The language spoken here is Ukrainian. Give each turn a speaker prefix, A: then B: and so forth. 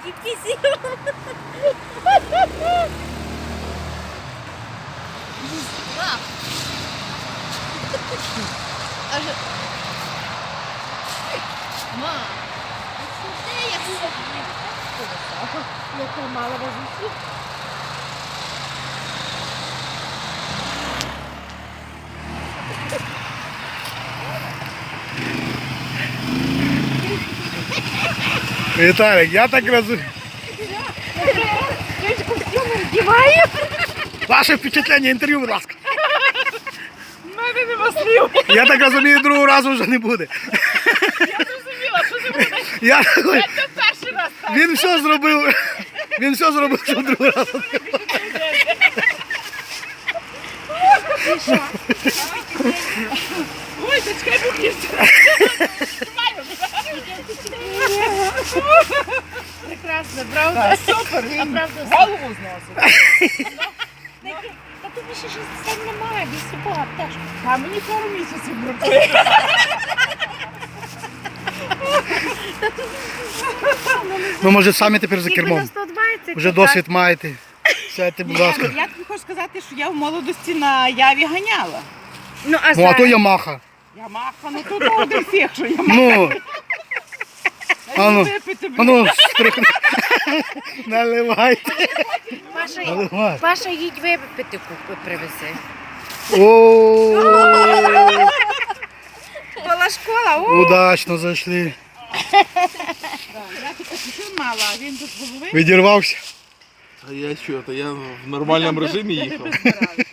A: Дітки сіли. Ма, де я сьогодні? Яка мала возусі?
B: Віталік, я так розумію.
A: Я ж костюм вдіваю.
B: Ваше впечатлення, інтерв'ю, будь ласка.
C: У мене нема слів.
B: Я так розумію, другого разу вже не буде.
C: Я зрозуміла, що це буде.
B: Я...
C: Це перший раз так.
B: Він все зробив, щоб другого разу не було.
C: Ой, зачекай, бухнівся.
A: Прекрасно, правда?
C: Супер,
A: А правда,
C: голову зносить.
A: та тобі ще 60 немає, без собак, теж.
C: А мені пару місяців бракує.
B: Ну, може, самі тепер за
A: Тільки на
B: кермом.
A: 120.
B: Вже досвід маєте. Сядьте, будь ласка.
C: Я тобі хочу сказати, що я в молодості на Яві ганяла.
A: Ну, а
B: Ну, а то
A: зараз?
B: Ямаха.
C: Ямаха, ну тут один фіг, що Ямаха.
B: Ну, а ну,
C: Випити,
B: а ну, наливайте.
A: Паша,
B: Наливай.
A: Паша, їдь випити привези.
B: О,
A: Була школа, о!
B: удачно зайшли.
C: Я тут чуть мала, а він тут голови.
B: Відірвався.
D: А я що, то я в нормальному режимі їхав.